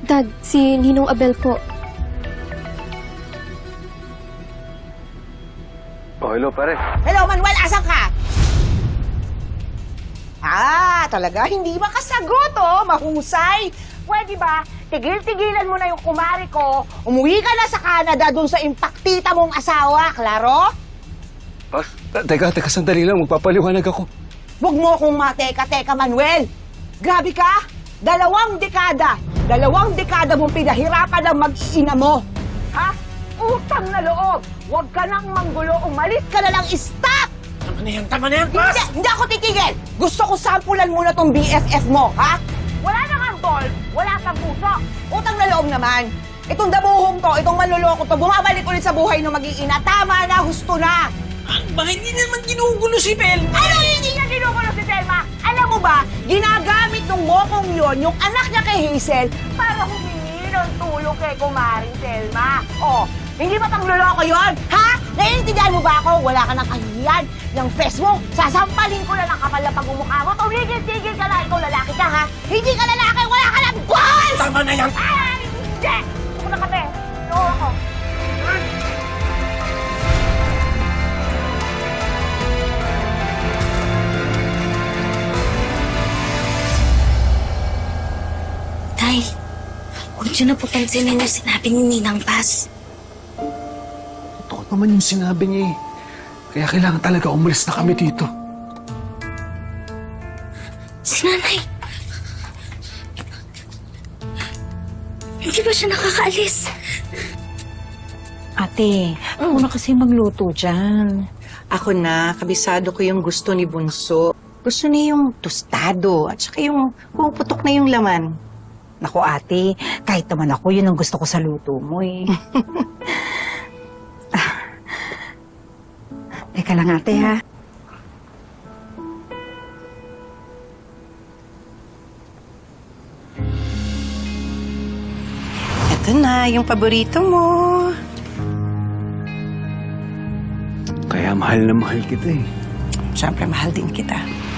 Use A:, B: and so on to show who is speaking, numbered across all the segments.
A: Dad, si Ninong Abel po.
B: Oh, hello, pare.
C: Hello, Manuel, asan ka? Talaga, hindi makasagot, oh. Mahusay. Pwede ba, tigil-tigilan mo na yung kumari ko, umuwi ka na sa Canada dun sa impaktita mong asawa, klaro?
B: Boss, teka, sandali lang. Magpapaliwanag ako.
C: Huwag mo akong mateka-teka, Manuel. Grabe ka. 2 dekada mong pinahirapan ang mag-iina mo. Ha? Utang na loob. Huwag ka nang manggulo. Umalis ka na lang. Stop!
D: Tama na yan, boss!
C: Hindi ako titigil. Gusto ko sampulan muna tong BFF mo, ha? Wala na kang ball. Wala kang puso. Utang na loob naman. Itong dabuhong to, itong manluloko to, bumabalik ulit sa buhay ng mag-iina. Tama na, husto na.
D: Bakit hindi naman ginugulo si Velma?
C: Ano hindi niya ginugulo si Selma? Alam mo ba, ginagamit ng mokong yon yung anak niya kay Hazel para humingi ng tulong kay kumaring Selma. Oh, hindi ba pangluloko yon? Ha? Naiintindihan mo ba ako? Wala ka ng kahihiyan ng face mo. Sasampalin ko na ng kapal na pagmumukha mo. Tumigil-tigil ka na. Ikaw lalaki ka, ha? Hindi ka lalaki. Wala ka ng balls!
D: Tama na yan!
C: Ay, hindi! Ako na kape. Oo ako.
E: Tay, huwag niyo na po pansinin yung sinabi ni Ninang Paz.
B: Totoo naman yung sinabi niya eh. Kaya kailangan talaga umalis na kami dito.
E: Si Nanay! Hindi ba siya nakakaalis?
F: Ate, ako na kasi magluto dyan.
G: Ako na, kabisado ko yung gusto ni Bunso. Gusto niya yung tostado at saka yung puputok na yung laman.
F: Naku ate, kahit naman ako, yun ang gusto ko sa luto mo eh. Teka lang ate ha.
G: Ito na, yung paborito mo.
B: Kaya mahal na mahal kita eh.
G: Siyempre, mahal din kita.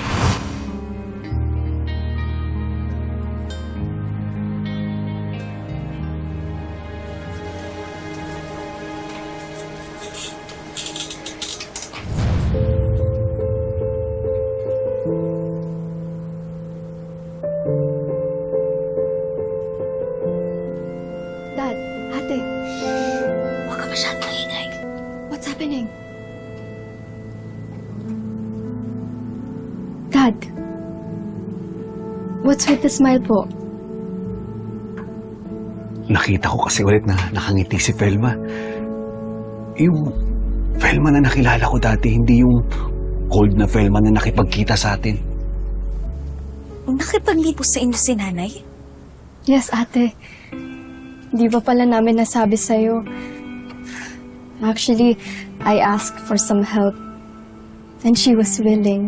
A: Dad, ate,
E: Huwag ka masyadong maingay.
A: what's happening? Dad, what's with the smile po?
B: Nakita ko kasi ulit na nakangiti si Velma. Yung Velma na nakilala ko dati, hindi yung cold na Velma na nakipagkita sa atin.
E: Nakipaglibos sa inyo si Nanay?
A: Yes, ate. Di ba pala namin nasabi sa'yo? Actually, I asked for some help. And she was willing.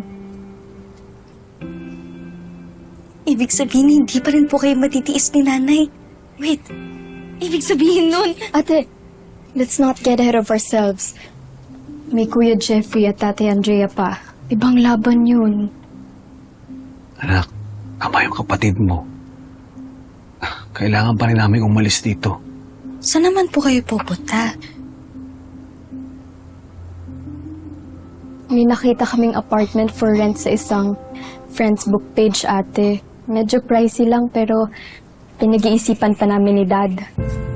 E: Ibig sabihin, hindi pa rin po kayo matitiis ni Nanay. Wait, ibig sabihin nun...
A: Ate, let's not get ahead of ourselves. May Kuya Jeffrey at Tate Andrea pa. Ibang laban yun.
B: Anak, ama yung kapatid mo. Kailangan pa rin namin umalis dito.
E: Saan naman po kayo pupunta?
A: May nakita kaming apartment for rent sa isang friend's book page, ate. Medyo pricey lang pero pinag-iisipan pa namin ni Dad.